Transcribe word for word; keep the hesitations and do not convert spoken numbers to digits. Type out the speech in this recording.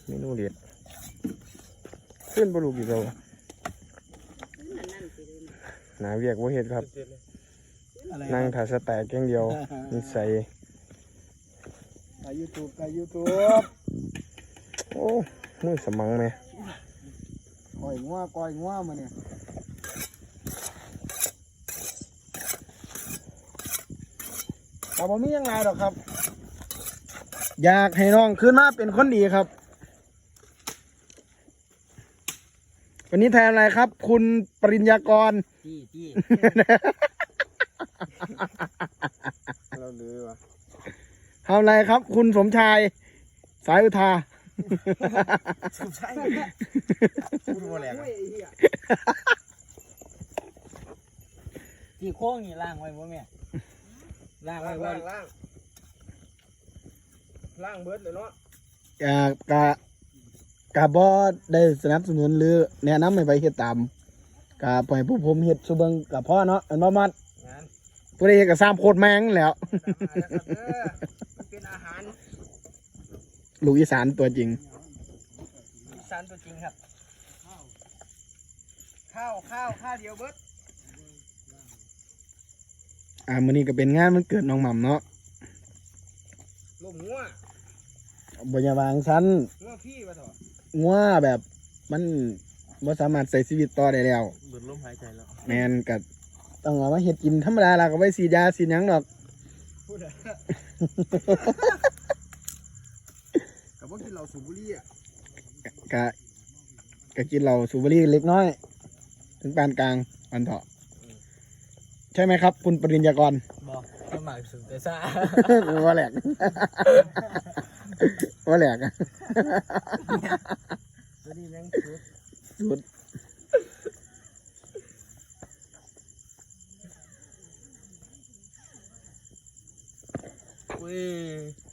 เมนูเด็ดขึ้นบลูกอีกแล้วหนาเวียกว่าเห็ดครับนั่งถ่ายสแต็กอย่างเดียวนิสัยกายยูทูบกายยูทูบโอ้มือสมังไหมก้อยงัวก้อยงัวมาเนี่ยแต่ผมมียังไงหรอกครับอยากให้น้องขึ้นมาเป็นคนดีครับวันนี้แทนอะไรครับ คุณปริญญากรจี้จี้เราเลยวะทำอะไรครับ คุณสมชายสายอุทาสมชายพูดว่าอะไรนะจี้โค้งนี่ล่างไว้บ่แม่ล่างไว้ว่าล่างล่างเบิร์ดเลยเนาะกะกะกะบอได้สนับสนุนหรือแนะนำให้ไปเฮ็ดตามกะปล่อยผู้ผมเฮ็ดสุเบิงกับพ่อเนาะอันบ่มัดผู้ใดเฮ็ดก็สร้างโคตรแมงแล้วเป็นอาหารลูกอีสานตัวจริงอีสานตัวจริงครับข้าวข้าวข้าวเดียวเบิร์ดอ่ามื้อนี้ก็เป็นงานวันเกิดน้องหม่ำเนาะลมงัวบ่อย่าวางชั้นงัวพี่ว่าเถอะงัวแบบมันบ่สามารถใช้ชีวิตต่อได้แล้วเบิดลมหายใจแล้วแม่นก็ต้องเอามาเฮ็ดกินธรรมดาล่ะก็ไว้ฉีดยาฉีดหยังดอกพูดอะกับพวกกินเหล้าสูบบุหรี่อ่ะกะกะกินเหล้าสูบบุหรี่เล็กน้อยถึงปานกลางอันเถาะใช่ไหมครับคุณปริญญากรบอกสมัครสุดแต่ซ่าว่าแหลกว่าแหลกตัวนี้แม่งสุดสุดเว้ย